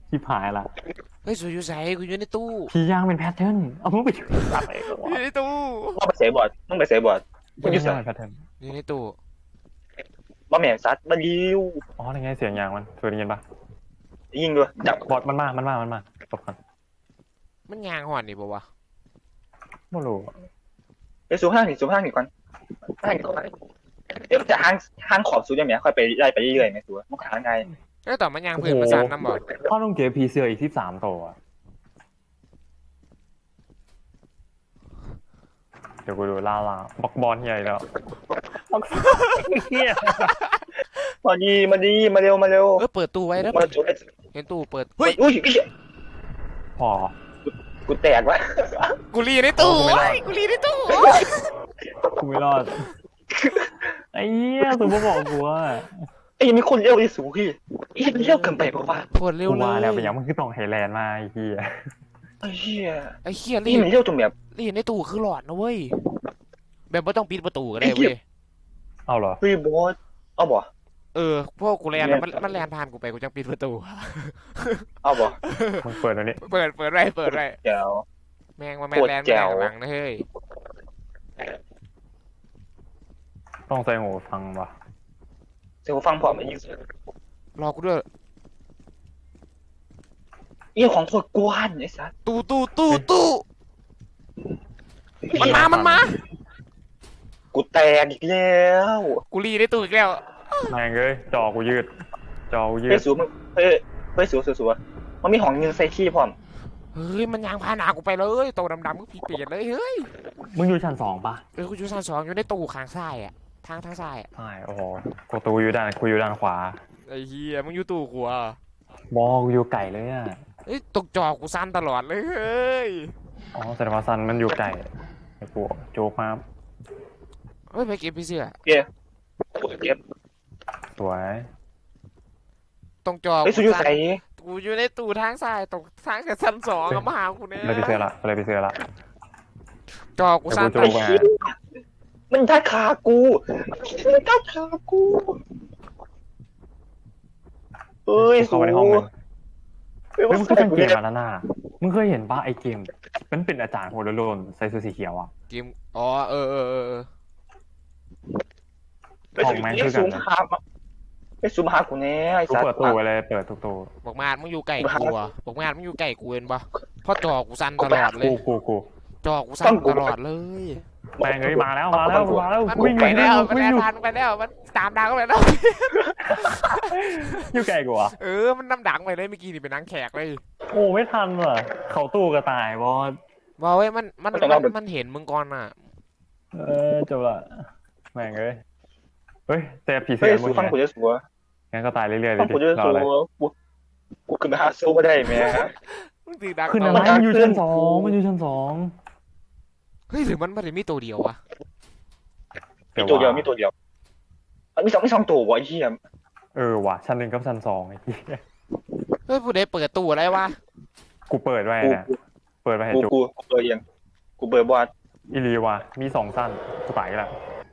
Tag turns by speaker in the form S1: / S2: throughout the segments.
S1: ชิบหายละ
S2: เฮ้ยสวยอยู่ใส่กูอยู่ในตู้
S1: พี่ย่างเป็นแพทเทิร์นเอามึงไปตัดเองเหรอ
S2: อยู่
S1: วะ
S2: ในตู้
S3: ว่าไปเสียบอดมึงไปเสียบอดมึงอยู่
S1: พี่ย่า
S3: ใส่
S1: งเป็นแพทเทิร์น
S2: อยู่ในตู้
S3: บ่แม่นซัดบ่ยิว
S1: อ๋อยังไงเสียงยางมันเคยได้ยินปะ
S3: ยิงด้วยจับบ
S1: อดมันมาตบกัน
S2: มันยางหอนนี่ปะวะ
S1: ไม่รู้
S3: ไปสูงห้างนี่สูงห้างนี่ก่อนห้างนี่ก่อนเดี๋ยวจะห้างขอบสูงอย่างเนี้ยค่อยไปไล่ไปเรื่อยๆไงสูงมันหาไง
S2: แล้วต่อมันยางพื้นมาสั่นน้ำบ่
S1: พ่อต้องเก็บพีเสืออีก13ตัวอะเดี๋ยวกูดูล่าบอกบอลใหญ่แล้วบอกเฮีย
S3: มาเร็วมาเร็ว
S2: เปิดตู้ไว้แล้ว
S3: มาจุด
S2: เห็นตู้เปิด
S3: เฮ้ยอุ้ย
S1: พอ
S3: กูแตกวะ
S2: กูรีในตู้
S1: ไม่รอด
S2: กูรีในตู้
S1: กูไม่รอดไอ้เหี้ยสุภาพบอกกูว่า
S3: ไอ้ยังมีคนเร็วที่สูงพี่ไอ้มันเร็วเกินไปป่าวะ
S2: โคตรเร็ว
S1: กู
S2: เล
S1: มาแล้วเป็น
S2: ย
S1: ยังมันคือต้องไฮแลนด์มาไอ้เหี้ย
S3: ไอ้เหี้ย
S2: ไอ้เฮียรี
S3: นี่มันเร็วจนแบบ
S2: รีในตู้คือหลอดนะเว้ยแบบไม่ต้องปิดประตูก็ได้เว้ย
S1: เอาเหรอ
S3: เฮ้ยบอสเอาบ่
S2: พวกกูแลนแล้วมันแลนผ่านกูไปกูจังปิดประตู
S3: เอาบ่
S1: มึงเปิดตัวนี้
S2: เปิดไร
S3: เดี๋ยว
S2: แม่งว่าแม่งแลนไม่ได้ข้างหลังนะเฮ้ย
S1: ต้องใส่หูฟังวะ
S3: เสียงฟังพอมายิง
S2: รอกูด้วย
S3: อีของโคตรกวนไอ้สัส
S2: ตู้มันมา
S3: กูแตกอีกแล้ว
S2: กูรีในตู้อีกแล้ว
S1: แม่งเอ้ยจอกูยืด
S3: เฮ้ยสูมึงเฮ้ยสูมันมีของยิงใส่ขี้พร้อม
S2: เฮ้ยมันยางพาหนากูไปเลยโตดำๆก็ผีเปลี่ยนเลยเฮ้ย
S1: มึงอยู่ชั้น2ปะ
S2: กูอยู่ชั้น2อยู่ในตู้ข้างซ้ายอ่ะทางซ้ายอ่ะ
S1: ใช่โอ้โหกูอยู่ด้านขวา
S2: ไอ้เหี้ยมึงอยู่ตู้กูอ่ะ
S1: บอกกูอยู่ไก่เลยอ่ะ
S2: เฮ้ยตกจอกูสั้นตลอดเลยเฮ้ย
S1: อ๋อแสดงว่าซันมันอยู่ไก่ไอ้กูโจ๊กมา
S2: เฮ้ยไปเก็บพี่เสื้อ
S3: เก็บ
S1: สวย
S2: ตรงจอ
S3: เฮ้ยสูอยู่ใส่
S2: กูอยู่ในตู้ทางซ้ายตรงทางกับชั้น2กับมาหากูเนี่ย
S1: เลยไปเสื้อละ
S2: จอกูสั้น
S1: เดี๋ยวกู
S3: ไอ้เหี้ยมันทัดขากูมันทัดขากูเฮ้ย
S1: เข้า
S3: สู
S1: ไปในห้องนึง
S3: เฮ้ย
S1: เฮ้ย
S3: มั
S1: มึ
S3: น
S1: ง
S3: ใส่
S1: ก็เป็น
S3: กู
S1: เก
S3: เนี่ย
S1: มมาแล้วน่ะมึงเคยเห็นป่ะไอ้เกมมันเป็นอาจารย์หัวโลนใส่เสื้อสีเขียวอ่ะ
S2: เกมอ๋อเออ
S3: ไปสูงไปสูงหาไปสูงหากูเนี่ยไอ้
S1: กู
S3: สัส
S1: เปิดตู้ไว้เลยเปิดทุกตู้
S2: บอกมาดมึงอยู่ไก่กูอ่ะบอกมาดมึงอยู่ไก่กูเห็นปะเพราะจอกูสั้นตลอดเลย
S1: กู
S2: จอกูสั้นตลอดเลย
S1: แม่งเอ้ยมาแล้ว
S2: มัน
S1: วิ่ง
S2: ไปแล้ว
S1: วิ่
S2: มัน
S1: ง
S2: แลน
S1: อยู่
S2: ทันไปแล้วมันตามดังไปแล้ว
S1: อยู่ไก่กูอ่ะ
S2: มันนำดังไปเลยเมื่อกี้นี่เป็นนังแขกเลย
S1: โอ้ไม่ทันว่ะเขาตู้กระต่ายบอส
S2: บอกเว้ยมันเห็นมึงก่อนอ่ะ
S1: จบละแม่งเอ้ยเฮ้ยแต่ผีเสื้
S3: เฮ้ย
S1: อมึ
S3: สู
S1: ง
S3: ฟังกูจะสู
S1: งั้นก็ตายเรื่อยๆเล
S3: ฟั
S1: ย
S3: ง
S1: ดิ
S3: กูจะ
S1: รอ
S3: สู
S1: เลย
S3: กูขึ้นไปหาสู้ไม่ได้แม่
S2: มึงตีดัง
S1: ขึ้นอะไรมันอยู่ชั้น 2มันอยู่ชั้น
S2: เฮ้ยหรือมันไม่ได้มีตัวเดียววะ
S1: 2
S3: มีตัวเดียวมีสองตัววะไอ้เหี้ย
S1: ว่ะชั้น 1กับชั้น 2ไอ้เหี้ย
S2: เฮ้ยผู้ใดเปิดตู้อะไรวะ
S1: กูเปิดไว้นะเปิดไว้ให้จุก
S3: กูเปิดยังกูเปิดบอส
S1: อีลีว่ะมี2สั้นกูตายแล้ว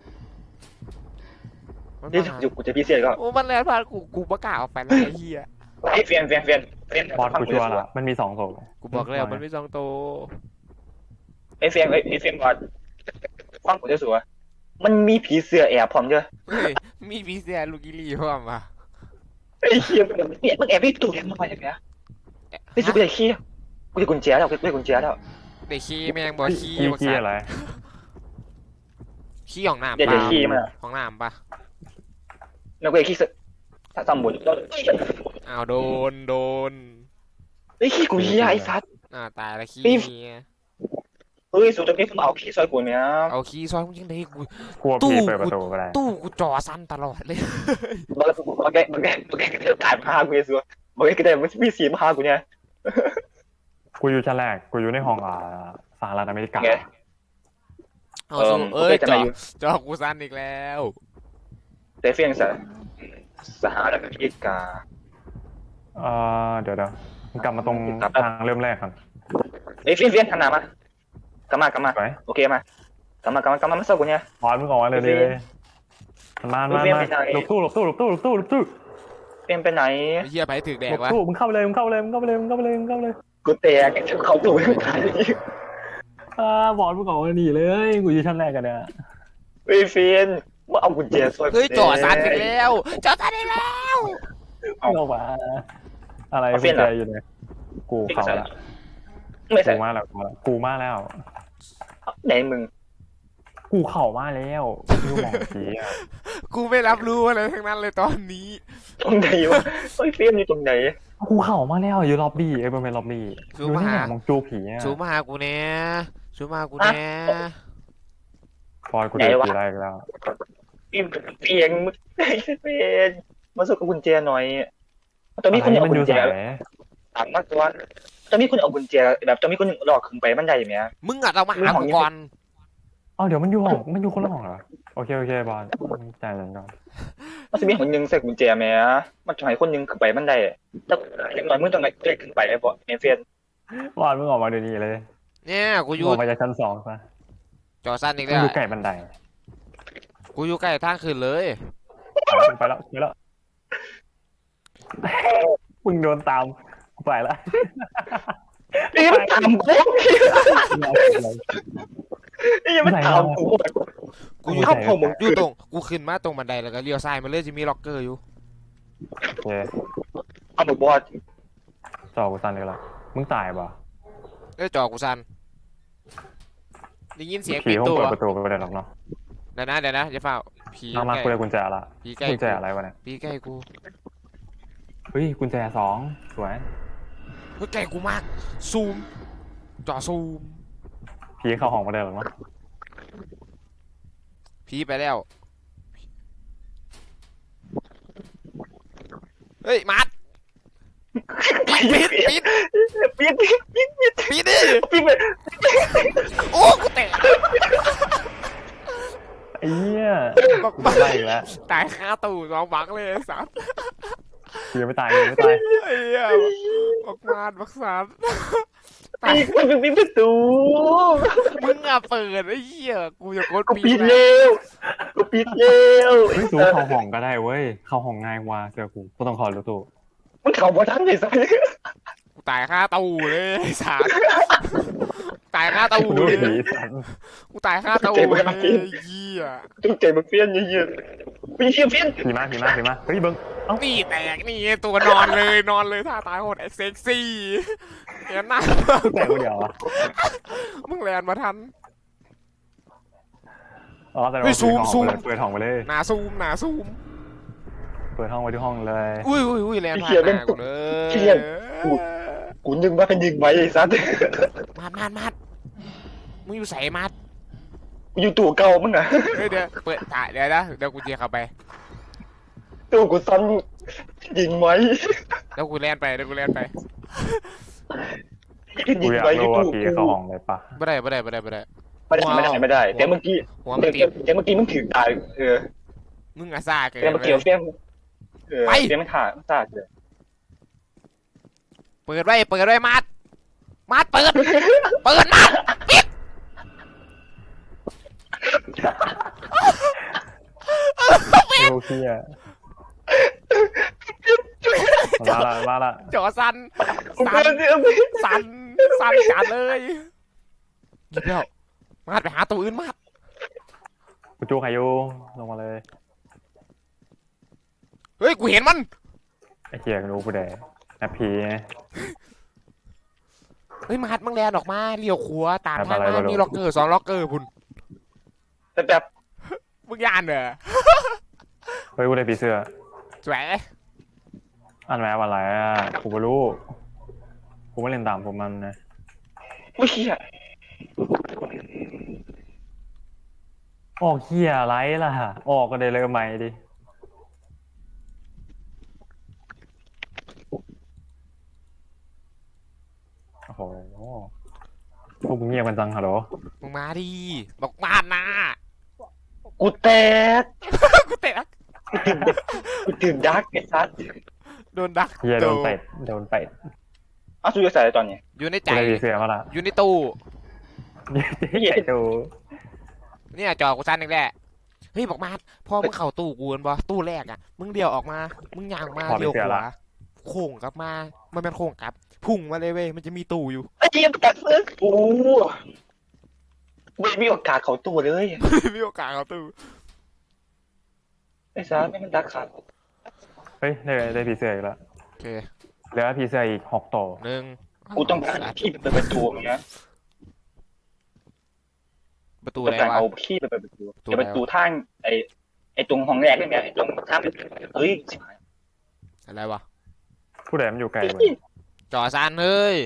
S2: มัน
S3: นี่
S2: มาหา
S3: กูจะพิเศษก็
S2: โอ้มันแลนผ่านกูประกาศออกไปแล้วไอ้เหี้ย
S3: ไอ้เฟียน
S1: บอสกูชัวร์ละมันมี2ตัว
S2: กูบอกแล้วมันไม่สองตัว
S3: ไอ้เฟียนบอสฟังกูจะสูมันมีผีเสื้อแอบพร้อมเจ้ะ
S2: เฮ้ยมีพีเซียลูกิลี่พร้อมปะ
S3: ไอ้เหี้ยเนี่ยมึงแอบไปตู้ยังมาอย่างเงี้ยไอ้สูกูจะขี้กูจะกุญแจแล้วกูจะกุญแจแล้ว
S2: เด็กขี้แมงบอกขี้
S1: ขี้อะไร
S2: ขี้ของน้ำ
S3: เดี๋ยว
S2: ปะ
S3: ขี้มา
S2: ของน้ำปะ
S3: แล้วกูจะขี้ถ้าสมบูรณ์แล้ว
S2: อ้าวโดน
S3: ไอ้ขี้กูเหี้ยไอ้สัส
S2: ตายแล้วขี้
S3: เฮ้ยสูจะไม่เอาขี้ซอยกูเนี่ย
S2: เอาขี้ซอยมึงยังไงกู
S1: กลัวผีเปิดประตูก็ได้
S2: ตู้กูจอสั้นตลอดเลย
S3: มันแกตายมาหากูเลยสัวมันแกได้มันมีสีมาหากูเนี่ย
S1: กูอยู่ชั้นแรกกูอยู่ในห้องสหรัฐอเมริกา
S2: เอาสู้จอกูสั้นอีกแล้ว
S3: แต่เฟียงสหรัฐอเมริกา
S1: เดี๋ยวมึงกลับมาตรงทางเริ่มแรกก่อน
S3: เอ้ยเฟียนทำหนามากลับมา
S1: ไป
S3: โอเคมากลับมามาสู้กูเนี่ย
S1: พอมึงออกมาเลยมันมาหลบตู้
S3: เป็นไปไหน
S2: ไอ้เหี้ยไปถึกแด
S1: บ
S2: ก
S1: อก
S2: วะ
S1: สู้มึงเข้าไปเลยมึงเข้าไปเลยมึงเข้าไปเลยมึงเข้าไปเลยมึงเข้าไปเลย
S3: กูแตกเขาตู่ไม่ตาย
S1: บอลมึงออกมาหนีเลยกูอยู่ชั้นแรกกันเนี่ย
S3: เฮ้ยเฟียนว่าเอากุญแจซอย
S2: เฮ้ยจ่อซันอีกแล้วจ่อซันอีกแล้ว
S1: มึงออกมาอะไรกุญแจอยู่เนี่ยกูเข้าละ
S3: ไม่ใช่
S1: กูมาแล้วกูมาแล้ว
S3: ไหนมึง
S1: กูเข่ามาแล้วกูมองผีอ่ะ
S2: กูไม่รับรู้อะไรทั้งนั้นเลยตอนนี้
S3: ตรงไหนวะเฮ้ยเฟียนอยู่ตรงไหน
S1: กูเข่ามาแล้วอยู่ล็อบบี้บริเวณล็อบบี้
S2: ซู
S1: ดู
S2: มมา
S1: ที่ไหน
S2: หาม
S1: องจูผีอ่ะ
S2: ซูมมาหากูแน่ซูมมาหากูแน่
S1: ฟอยกูเจอผีอะไรอีกแล้ว
S3: เฟียนมึงเฟียนมาสู้กับกุญแจหน่อยตอนนี้คุณ
S1: อะไร
S3: เอา
S1: มัน
S3: กุ
S1: อ
S3: ญ
S1: ยู่
S3: แจ
S1: ไหน
S3: ถามมากกว่าตอนนี้คุณเอากุญแจแบบตอนนี้คุณหลอกขึ้นไปบันไดไหม
S2: มึงอะต้องมาหากูก่อน
S1: เอ้าเดี๋ยวมันอยู่ห้องมันอยู่คนละห้องเหรอโอเคบอลใจเย็นก่อน
S3: มันจะมีคนนึงใส่กุญแจไหมมันจะให้คนนึงขึ้นไปบันไดแต่อย่างน้อยมึงต้องได้ขึ้นไปไอ้พวกเฟียน
S1: บอลมึงออกมาเดี๋ยวนี้เลย
S2: เนี่ยกูอ
S1: มึง
S2: ยู่
S1: ออกมาจากชั้นสองซะ
S2: จ่อซันอีก
S1: มึ
S2: แล้
S1: ง
S2: ว
S1: อยู่ใกล้บันได
S2: กูอยู่ใกล้ทางขึ้นเลย
S1: ไปแล้วมึงโดนตามไปละ
S3: นี่มันตามกูนี่มันตามกู
S2: กูอยู่
S3: เข้าผม
S2: อยู่ตรงกูขึ้นมาตรงบันไดแล้วก็เลี้ยวซ้ายมาเลยจะมีล็อกเกอร์อยู่
S1: โอเค
S3: เอาบอกบอส
S1: จอกูสั่นเลยละมึงตายป่ะ
S2: เอ้ยจ่อกูซันได้ยินเสียง
S1: ผี
S2: ปิด
S1: ห้อง
S2: ตัว
S1: เปิดประตูไปได้หรอกเนาะ
S2: เดี๋ยวนะอย่าเฝ้าผี
S1: มากูได้กุญแจละ
S2: ผีใกล้
S1: กุญแจอะไรวะเนี่ย
S2: ผีใกล้กู
S1: เฮ้ยกุญแจสองสวย
S2: เฮ้ยใกล้กูมากซูมจ่อซูม
S1: ผีเข้าห้องมาได้หรอกเนาะ
S2: ผีไปแล้วเฮ้ยมัดปิด
S3: ปิด
S2: ปิดดิ
S3: ปิดไป
S2: โอ้กูแตก
S1: ไอ้เหี้ย
S2: บัก
S1: กู
S2: บัก
S1: ไล่อีกแล้ว
S2: ตายคาตู้น้องบักเลยไอ้สัส
S1: ผียังไม่ตายยังไม่ตาย
S2: ไอ้เหี้ยบักมาดบักสัสตาย
S3: มันเป็นประตู
S2: มึงอะเปิดไอ้เหี้ยกูจะกด
S3: กู
S2: ปิ
S3: ปิ
S2: ด
S3: ดเร็วกูปิดเร็ว
S1: เฮ้ยสูเข้าห้องก็ได้เว้ยเข้าห้องง่ายกว่าเจอกูก็ต้องขอรู้ตัว
S3: มันเข้ามาทันเลยสัส
S2: กูตายคาตู้เลยไอ้สัสตายคาตู้
S1: กูดู
S2: เลย
S1: ผีสัน
S2: กูตายคาตู้เลยไอ้เหี้ย
S3: ตั้งใจมันเฟี้ยนเยอะๆมีเฟี้ยน
S1: ผีมาเฮ้ยเบิ้ง
S2: นี่แตกนี่ตัวนอนเลยท่าตายโหดเซ็กซี่เห็นหน้า
S1: กูแต่คนเดียวอ่ะ
S2: มึงแลนมาทัน
S1: อ๋อแต่
S2: เฮ้
S1: ว่าย
S2: ซูม
S1: เปิดห้องไปเลย
S2: หนาซูม
S1: เปิดห้องไว้ที่ห้องเลย
S2: อุ้ยแลนผ่านหน้ากูเลย
S3: กูนึกว่าเป็นยิงไว้ไอ้สัส
S2: มัดมึงอยู่ใส่มัด
S3: อยู่ตัวเก่ามึงอะ
S2: เฮ้ยเดี๋ยวเปิดถ่ายเดี๋ยวกูเจียเข้าไป
S3: ตัวกูซ้ำยิงไว้
S2: เดี๋ยวกูแลนไป
S1: กู
S3: ยิ
S1: อง ยาก
S3: ไว้
S1: รู้
S3: อยู่
S1: ว่า
S3: ตู้
S1: ผีเข้าห้องเลยปะ
S2: ไม่ได้
S3: ไม่ได้แต่เมื่อกี้
S2: หัวมันติด
S3: แต่เมื่อกี้มึงถือตายเออ
S2: มึงอะซ่าเกิน
S3: แต่เมื่อกี้เฟี้ยนเฟี้ยนมันขาดมันขาดเลย
S2: เปิดไว้มัดเปิดมัดปิด
S1: โอเคอ่ะมาละ
S2: จ่อสันจัดเลยหยิบแล้วมัดไปหาตัวอื่นมัด
S1: กูจูใครอยู่ลงมาเลย
S2: เฮ้ยกูเห็นมัน
S1: ไอ้เหี้ยรู้กูแดแอปผีไง
S2: เฮ้ยมัดมึงแลนออกมาเลี้ยวขวาตามทาง
S1: อะไร
S2: มา
S1: ไม่รู้
S2: มีล็อกเกอร์2ล็อกเกอร์พุ่น
S3: แต่แบบ
S2: มึงยานเหรอ
S1: เฮ้ยกูได้ผีเสื้อ
S2: สวย
S1: อันแม้อะไรอ่ะกูไม่รู้กูไม่เล่นตามผมมันนะ
S3: ไม่เชี่ย
S1: ออกเหี้ยไรล่ะออกก็ได้เลยใหม่ดิโอ้โหพวกมึงเงียบกันจังฮัลโหล
S2: มึงมาดิบอกมาดนะ
S3: กูแตก
S2: กูเตะ
S3: กูตื่นดักไอ้สัส
S2: โดนดัก
S1: เหี้ยโดนเป็ด
S3: อ้าวสู้จะใส่ตอนนี้
S2: อยู่ในใจ
S1: กูได้ผีเสื้อมาละ
S2: อยู่ในตู้
S1: ใหญ่ดู
S2: เนี่ยจอกูสั้นอีกแหละเฮ้ยบอกมาพอมึงเข้าตู้กูนบ่ตู้แรกอ่ะมึงเดี่ยวออกมามึงย่างมาเดี่ยวขวาโค้งกลับมามันเป็นโค้งกลับพุ่งมาเลยเว้ยมันจะมีตู้อยู่
S3: ไอ้เหี้ยตัดเลยโอ้ไม่มีโอกาสเขาตัวเลย
S2: มีโอกาสเข้าตู้
S3: ไอ้ซ่าไม่มันดักขาด
S1: เฮ้ยได้ผีเสื้ออีกแล้ว
S2: โอเค
S1: เหลือผีเสื้ออีก6 ตัว
S2: หนึ่ง
S3: กูต้องการขี้ไปเปิดประตูอย่างเงี้ย
S2: ประตู
S3: ต้
S2: อะ
S3: อง
S2: ไร
S3: การ
S2: วะ
S3: เอาขี้ไปเปิดประตู
S2: ตัว
S3: เดี๋ยวประตูทางไอ้ตรงห้องแรกนี่ไงไอ้ตรงทางเฮ้ยชิบหาย
S2: อะไรวะ
S1: ผู้ใดมันอยู่ไกล
S3: ไอ้
S1: เว้ย
S3: ขี้
S2: จอซานเฮ้ย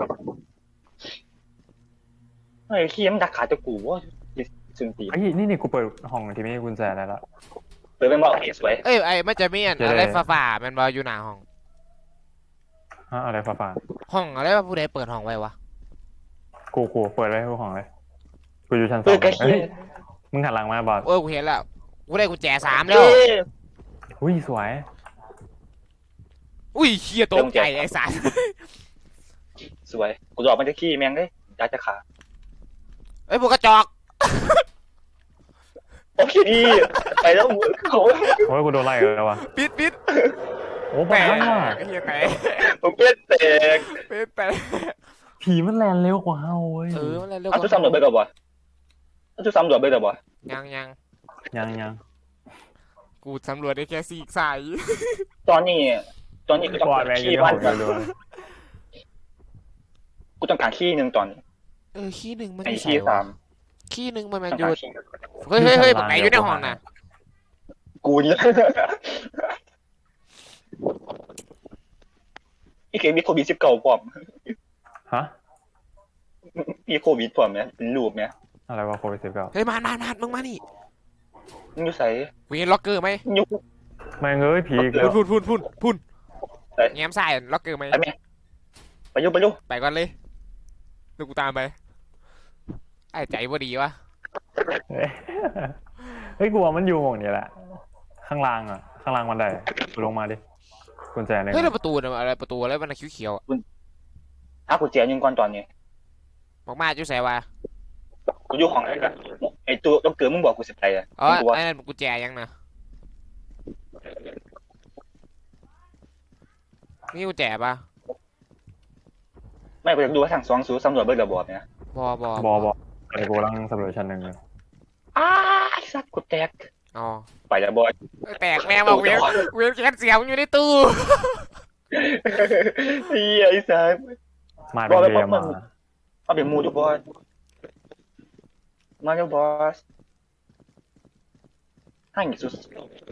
S3: ไอ้ขี้มันดักขาดตัวกูว่าสุนตี
S1: ไอ้ยนี่กูเปิดห้องที่ไม่มีกุญแจได้แล้ว
S3: เปิดเป็นบอกเฮ้ยสวย
S2: เอ้ยไอ้มันจะมีอะไรฝ่าๆมันบออยู่หน้าห้อง
S1: ฮะอะไรฟ้า
S2: ห้องอะไรวะผู้ใดเปิดห้องไว้วะ
S1: ๆกูเปิดไว้ทุกห้องเลยกูอยู่ชั้น 2
S3: เปิดกระขี้
S1: เฮ้ยมึงหันหลังมาบอส
S2: เออกูเห็นแล้วกูได้กุญแจ3แล้ว
S3: เอ้ย
S1: อุ้ยสวย
S2: อุ้ยเชี่ยตกใจไอ้สัส
S3: สวยกูหลอกมันจะขี้แม่งเลยดักจะขา
S2: เอ้ยพวกกระจอก
S3: โอเคดีไปแล้วมึงเขา
S1: โอ้ยกูโดนไล่แล้ววะ
S2: ปิด
S1: โอ้
S2: แต
S1: บ้าก ว่ะ
S2: ไอ้เหี้ยแตก
S3: ผมเป็นแตก
S2: ปิดแตก
S1: ผีมันแลนเร็วกว่าเฮาเว้ย
S2: มันอะไรเร็ว
S3: เอาทุกซ้ำรวจไปกับบ่เอาทุกซ้ำรวจไปกับบ่
S2: ยัง
S1: ยัง
S2: กูสำรวจได้แค่ซีกสาย
S3: ตอนนี้กูต้อง
S1: กวาด
S3: การ
S1: แรง
S3: ขี้
S1: เย
S3: บ้าน
S1: อะเลย
S3: กูต้องการขี้หนึ่งตอนนี้
S2: ขี้หนึ่งมัน
S3: ไอ้
S2: อยู่
S3: ขี้
S2: ใส่
S3: สาว
S2: ะ
S3: ม
S2: ขี้หนึ่งมัน
S3: ต้อง
S2: อยู่
S3: การขี้
S2: เฮ้ยบอกไหนอยู่ในห้องน่ะ
S3: กูนี่อีเกมมีโควิด19พร้อม
S1: ฮะ
S3: มีโควิดพร้อมเนี่ยเป็นรูปเนี่ย
S1: อะไรวะโควิด19
S2: เฮ้ยมามึงมานี่
S3: มึงอยู่ใส่
S2: กูเห็นล็อกเกอร์ไหม
S3: มึงอยู่
S1: แม่งเอ้ยผีอีกแล้ว
S2: พุ่น
S3: ใส่
S2: แง้มใส่ล็อกเกอร์ไหม
S3: ไปไหมไปอยู่
S2: ไปก่อนเลยดูกูตามไปไอ้ใจบ่ดีวะ
S1: เฮ้ยกูว่ามันอยู่หมองนี้แหละข้างล่างบันไดกูลงมาดิกุญแจหนึ่ง
S2: เฮ้ยแล้วประตูเนี่ยอะไรประตูอะไรมันเขียวๆอะ
S3: หากูแจยิงก่อนตอนนี้
S2: บอกมาจุ๊ใส่วะ
S3: กูอยู่ห้องไหนกันไอ้ตัวต้องเกิดมึงบอกกูสิไปอ่ะ
S2: อ๋อ
S3: กูว่า
S2: ไอ้นั่นกุญแจยังนะนี่กุญแจปะ
S3: ไม่กูอยากดูว่าทางสองสูสำรวจเบิร์ดระบอบเนี่ย
S2: บอบอ
S1: บอไอ้กูกำลังสำรวจชั้น 1เลย
S3: ไอ้สัตว์กูแตก
S2: อ๋อ
S3: ไปแล้วบอย
S2: แตกแม่บอกเวียนแคสเสียงอยู่ในตู้
S3: ไอ้สัตว์
S1: มาเป็นเรียมา
S3: เอาเป็นมูดูบอสมาเร็วบอสให้สุด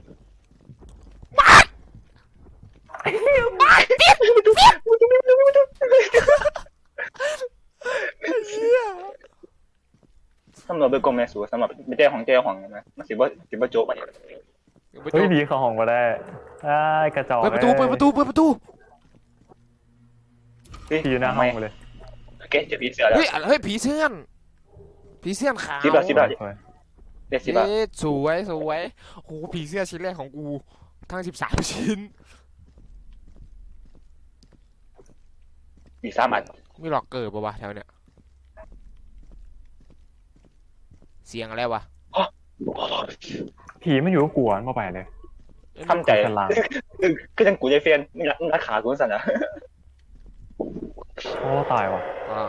S3: สำหรับเบอร์กลมแม่สูสำหรับไม่ได้ของเจ้าของนะมันสิบ่โจ๊กไป
S1: เฮ้ยผีเข้าห้องก็ได้ไอ้กระจอก
S2: เปิดประตู
S1: ผีอยู่หน้าห้องกูเลย
S3: โอเคจะผีเสือแล้ว
S2: เฮ้ยผีเสื้อนขาว
S3: สิบบาท
S1: สวย
S3: เด็ด10 บาท
S2: สวยโหผีเสื้อชิ้นแรกของกูทั้ง13 ชิ้น
S3: มี3 อัน
S2: มีหลอกเกิดปะวะแถวเนี้ยเสียงอะไรวะ
S1: ผีมันอยู่กับกูอ่ะมาไปเลย
S3: ทำใจ
S1: ชั้นล่าง
S3: คือจังกูใจเฟียนนี่รักขากูสั่นอ่ะ
S1: โอ้ตายว่ะ
S2: อ่า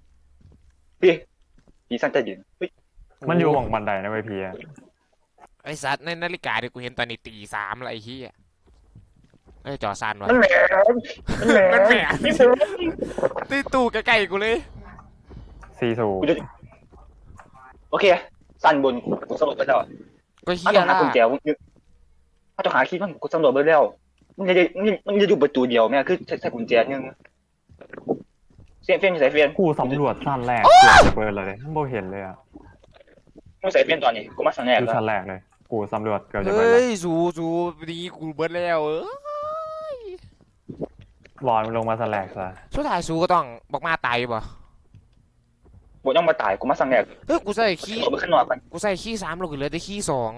S3: ผีสั่นใจดิน
S1: มันอยู่ห้องบันไดนะเว้ยผีอะ
S2: ไอสัตว์ในนาฬิกาที่กูเห็นตอนนี้ตี 3แล้วไอ้เหี้ยไอ้จอซานวะ
S3: มันแหลม
S2: มันแหลม ตีตู้ใกล้ๆกูเลย
S1: ซีซู
S3: กูจะโอเคสั่นบนกูสำรวจไปแล้ว
S2: ก็
S3: ถ้า
S2: เหี้ย
S3: ต้องหา
S2: ละ
S3: กุญแจถ้าต้องหาคีย์มันกูสำรวจไปแล้วมันจะอยู่ประตูเดียวแม่คือใช้กุญแจนึงเฟียนใส่เฟียน
S1: กูสำรวจชั้นแรกเกือบเปิดเลยไม่เห็นเลยอ่ะ
S3: มึงใส่เฟียนตอนนี้กูมาสั่นแรก
S1: อยู่
S3: แล้ว
S1: ชั้นแรกเลย กูสำรวจเกือบจะเปิด
S2: เฮ้
S1: แล้ว
S2: ยสูดีกูเบิดแล้วย
S1: รอนมันลงมาชั้นแรกซะ
S2: สุดท้ายสูก็ต้องบอกมาตายป่ะ
S3: บต้องมาตายกูมาสั่นแรก
S2: เฮ้ยกูใส่ขี้
S3: กูไปข้างนอกก่อน
S2: กูใส่ขี้3ลงเหลือแต่ขี้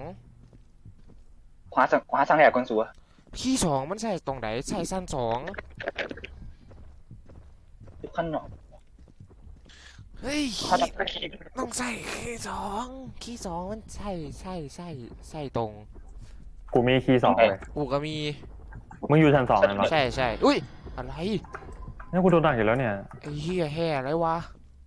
S2: 2
S3: ขวาสั่นแรกก่อนสัว
S2: ขี้2มันใส่ตรงไหนใส่สั้น2
S3: ข้างนอก
S2: เฮ้ย
S3: เขาจะคีย์
S2: ต้องใส่คีย์ 2มันใช่ตรง
S1: กูมีคีย์2เลย
S2: กูก็มี
S1: มึงอยู่ชั้น2นั่นหรอ
S2: ใช่อุ้ยอะไร
S1: เนี่ยกูโดนดักอยู่แล้วเนี่ย
S2: ไอ้เหี้ยแห่อะไรวะ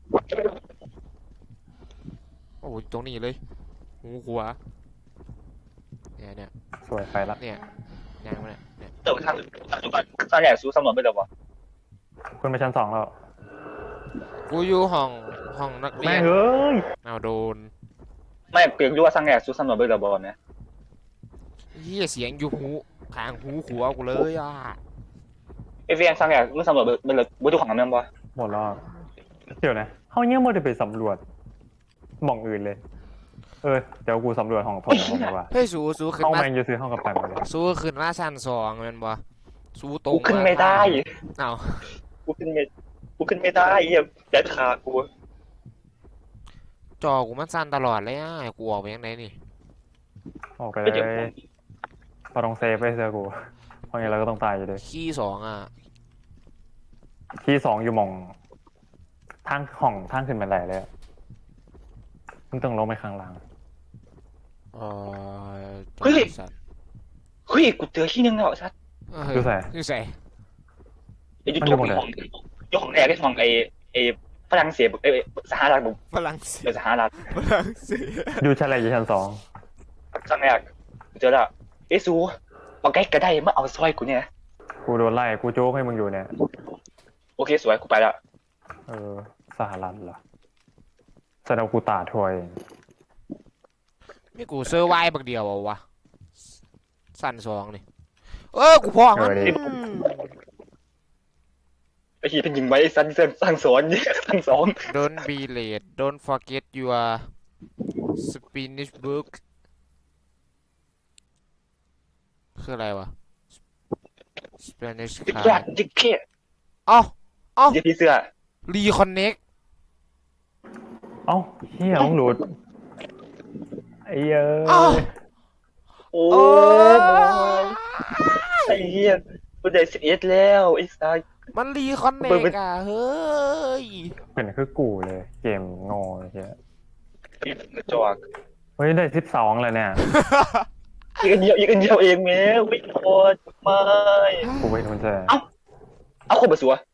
S2: โอ้ยตรงนี้เลยหูขวาเนี่ย
S1: สวยไปละ
S2: เนี่ยยางมันเนี่ย
S3: เติมทางจุดก่อนตอนแรกสู้สำรวจไม่ได้วะ
S1: คุณไปชั้น2แล้ว
S2: กูอยู่ห้องนักเรี
S1: แม่
S2: ย
S1: ง
S2: น
S1: เอ้ย
S2: เอาโดน
S3: ไม่เปลี่ยนรู้ว่าสร้างแรกสู้สำรวจไม่ได้บอลไหม
S2: เหี้ยเสียงอยู่หูข้างหูขวากูเลยอ่ะ
S3: ไอเวียนสร้างแรกมึงสำรวจไม่เลยบุตรของมันบ่
S1: หมดแล้วเดี๋ยวนะเขาเนี่ยไม่ได้ไปสำรวจหม่องอื่นเลย เดี๋ยวกูสำรวจห้องผมดีกว่า
S2: เฮ้ยสู้ขึ้น
S1: ห้อง
S2: มา
S1: แมงจะซื้อห้องกับไปหมดเลย
S2: สู้ขึ้นมาชั้น2แมันบ่สู้ตรง
S3: กูขึ้นไม่ได้
S2: เอ้า
S3: กูขึ้นไม่ได้เหี้ยแดดขากู
S2: จอกูมันสั่นตลอดเลยอ่ะกูออกไปยังไงนี่
S1: ออกไป
S3: ไม่
S1: เล
S3: เดี๋ยวย
S1: พอต้องเซฟไปเสือกูเพราะงั้นเราก็ต้องตายอยู่ดี
S2: คีย์ 2อ่ะ
S1: ที่2อยู่หม่องทางห้องทางขึ้นบันไดเลยอะมึงต้องลงไปข้างล่าง
S2: เออ
S3: เฮ้ยกูเจอที่นึงแล้วชัด
S1: ดูใส่
S2: คือใส่
S3: ไอ้ยูทูบของยกของแรกไอ้ของไอ้ฝรั่งเศสไอ้สหรัฐบุ
S2: ฝรั่งเศส
S3: สหรัฐ
S2: ฝรั่งเศส
S1: อยู่ชั้นอะไรอยู่ชั้น2
S3: สร้างแรกเจอแล้วเอซูเอาใกล้ก็ได้มาเอาซอยกูเนี่ย
S1: กูโดนไล่กูโจ๊กให้มึงอยู่เนี่ย
S3: โอเคสวยกูไปแล้ว
S1: สหรัฐเหรอแสดงว่ากูตาถวย
S2: นี่กูเซอร์ไวบักเดียวเอาวะสั่น2นี่กูพอมัน
S3: ไอ้ที่เป็นยิงไว้สั้นสร้างสอนเนี่ยสร้างสอน
S2: Don't be late Don't forget your Spanish book คืออะไรวะ Spanish
S3: จิ๊ก
S2: card
S3: แกจิ๊กเก้
S2: เอ้า
S3: เดี๋ยวพี่เสื้อ
S2: Reconnect
S1: เอ้าเฮียมึงหลุดไอ้เอ้
S2: เอ้า
S1: ย
S3: โอ้
S2: โอ้
S3: ยไอ้เหี้ยกูได้11แล้วไอ้สัส
S2: มัน Reconnect อ่ะเฮ้ย
S1: เป็นคือกูเลยเกมงอเฮีย
S3: กระจอก
S1: เฮ้ยได้12เลยเนี่ย
S3: อีกอันเดียวเองแม่วิ่งโคตรไม่
S1: กูไปทุนแจ
S3: เอาคนมาสัว